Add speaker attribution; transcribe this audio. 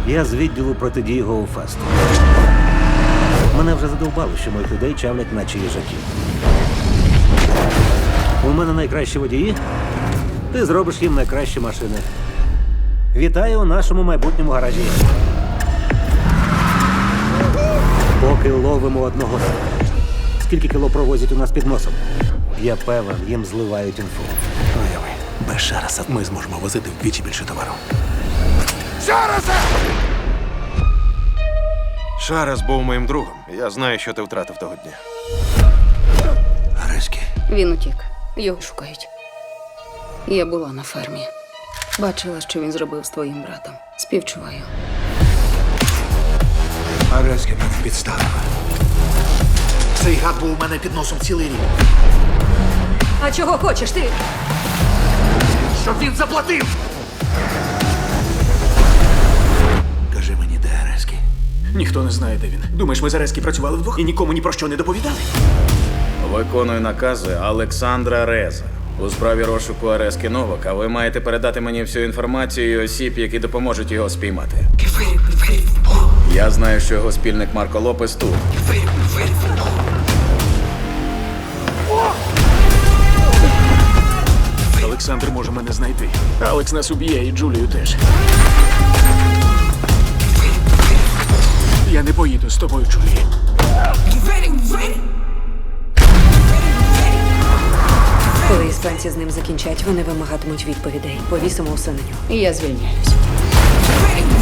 Speaker 1: Я з відділу протидії Гоуфесту. Мене вже задовбало, що моїх людей чавлять, наче їжаки. У мене найкращі водії. Ти зробиш їм найкращі машини. Вітаю у нашому майбутньому гаражі. Поки ловимо одного. Скільки кіло провозять у нас під носом? Я певен, їм зливають інфу.
Speaker 2: Уяви, без Шараса ми зможемо возити вдвічі більше товару.
Speaker 3: Шарас був моїм другом. Я знаю, що ти втратив того дня.
Speaker 2: Ареськи.
Speaker 4: Він утік. Його шукають. Я була на фермі. Бачила, що він зробив з твоїм братом. Співчуваю.
Speaker 2: Ареськи мене підставила. Цей гад був у мене під носом цілий рік.
Speaker 4: А чого хочеш ти?
Speaker 2: Щоб він заплатив! Кажи мені, де Ареськи?
Speaker 5: Ніхто не знає, де він. Думаєш, ми з Ареськи працювали вдвох і нікому ні про що не доповідали?
Speaker 6: Виконую накази Олександра Реза. У справі розшуку Арески Новака ви маєте передати мені всю інформацію і осіб, які допоможуть його спіймати. Я знаю, що його спільник Марко Лопес тут.
Speaker 5: Олександр може мене знайти. Алекс нас уб'є і Джулію теж. Я не поїду з тобою, Джулі.
Speaker 7: Коли іспанці з ним закінчать, вони вимагатимуть відповідей. Повісимо усе на нього.
Speaker 4: Я звільняюсь.